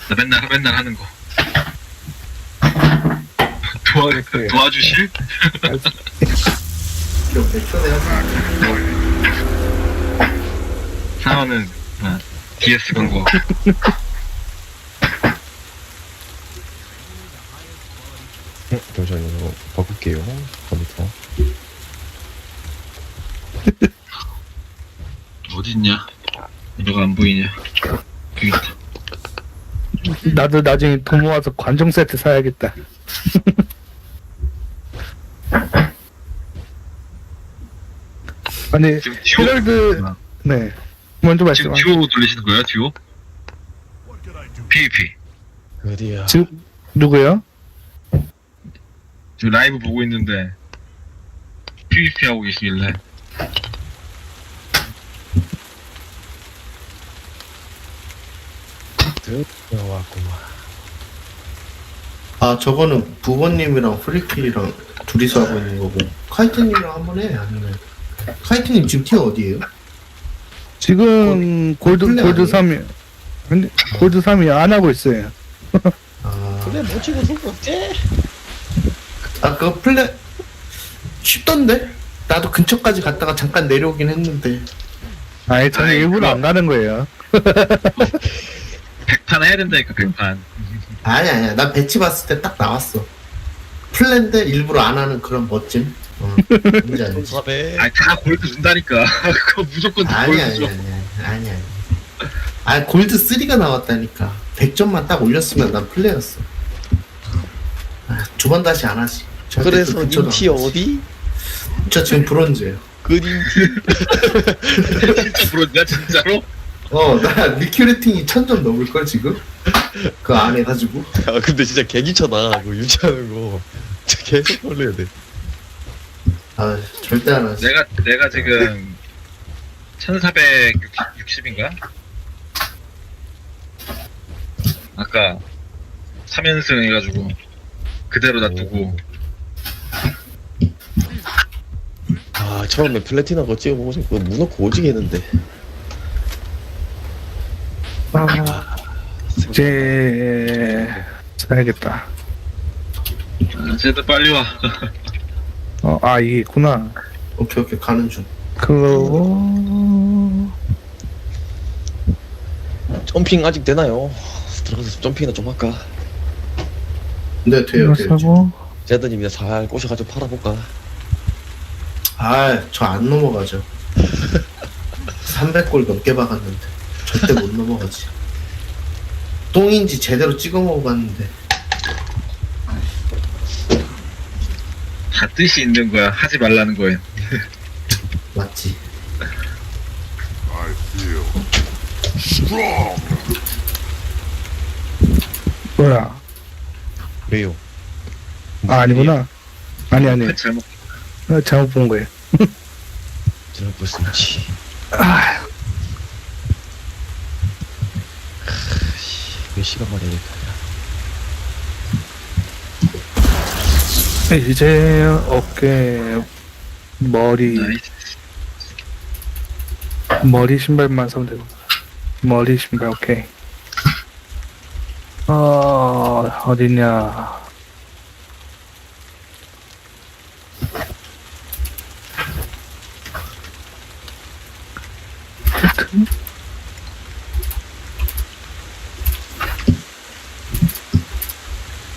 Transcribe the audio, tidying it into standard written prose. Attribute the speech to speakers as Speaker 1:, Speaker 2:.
Speaker 1: 나 맨날 하는 거. 도와주실? 상어는 DS 건 거.
Speaker 2: 잠시만요. 이거 바꿀게요. 컴퓨터.
Speaker 1: 어딨냐? 너가 안 보이냐? 여기 있다.
Speaker 3: 나도 나중에 돈 모아서 관종 세트 사야겠다. 아니
Speaker 1: 지금 듀오?
Speaker 3: 헤럴드 네 먼저
Speaker 1: 지금
Speaker 3: 말씀하세요.
Speaker 1: 듀오 돌리시는 거예요? 듀오? PVP.
Speaker 2: 어디야?
Speaker 3: 지금 누구요?
Speaker 1: 지금 라이브 보고 있는데 PVP 하고 계시길래.
Speaker 2: 들어왔구만.
Speaker 4: 아 저거는 부모님이랑 프리킬이랑 둘이서 하고 있는 거고 카이트님이랑 한번 해. 아니면 카이트님 지금 티어 어디에요?
Speaker 3: 지금 골드
Speaker 4: 플레이
Speaker 3: 골드
Speaker 4: 아니에요?
Speaker 3: 3이 근데 골드 3이 안 하고 있어요.
Speaker 4: 아,
Speaker 2: 그래 뭐 치고 손 어째?
Speaker 4: 아 그거 플레 쉽던데? 나도 근처까지 갔다가 잠깐 내려오긴 했는데.
Speaker 3: 아니 저는
Speaker 1: 아이,
Speaker 3: 일부러
Speaker 1: 그거-
Speaker 3: 안 가는 거예요.
Speaker 1: 100판 해야 된다니까 100판.
Speaker 4: 아니야 난 배치 봤을 때 딱 나왔어. 플랜데 일부러 안 하는 그런 멋짐. 뭔지 알지?
Speaker 2: 400.
Speaker 1: 아니 다 골드 준다니까. 그거 무조건 다
Speaker 4: 아니야
Speaker 1: 골드 줘.
Speaker 4: 아니야. 아 골드 3가 나왔다니까. 100점만 딱 올렸으면 난 플레이였어. 아, 두 번 다시 안 하지. 절대
Speaker 2: 그래서
Speaker 4: 또 근처도
Speaker 2: 인티
Speaker 4: 안 가지.
Speaker 2: 어디?
Speaker 4: 저 지금 브론즈예요.
Speaker 2: 그린티.
Speaker 1: 진짜 부러지냐 진짜로?
Speaker 4: 나 리큐레팅이 1000점 넘을걸 지금? 그 안 해가지고.
Speaker 2: 아 근데 진짜 개기쳐나 그거 유지하는 거. 진짜 계속 걸려야 돼.
Speaker 4: 아 절대 안 하지.
Speaker 1: 내가 지금 1460인가? 아까 3연승 해가지고 그대로 놔두고.
Speaker 2: 아 처음에 플래티나 거 찍어보고 싶고 무너고 오지게 했는데.
Speaker 3: 아 이제 사야겠다.
Speaker 1: 쟤도 빨리 와.
Speaker 3: 이게 있구나.
Speaker 4: 오케이 가는 중.
Speaker 3: 그거
Speaker 2: 점핑 아직 되나요? 들어가서 점핑이나 좀 할까?
Speaker 4: 네 돼요.
Speaker 3: 이거 사고
Speaker 2: 제드님이나 살 꼬셔가지고 팔아볼까?
Speaker 4: 아저 안 넘어가죠. 300골 넘게 박았는데 절대 못 넘어가지. 똥인지 제대로 찍어 먹어봤는데.
Speaker 1: 다 뜻이 있는 거야. 하지 말라는 거예요.
Speaker 4: 맞지.
Speaker 3: 뭐야?
Speaker 2: 왜요?
Speaker 3: 아니구나. 아니
Speaker 1: 잘못.
Speaker 3: 잘못 본 거예요.
Speaker 2: 저럴 거 있지. 몇 시간 만에
Speaker 3: 이제 어깨 머리 신발만 사면 되고 머리 신발 오케이. 어디냐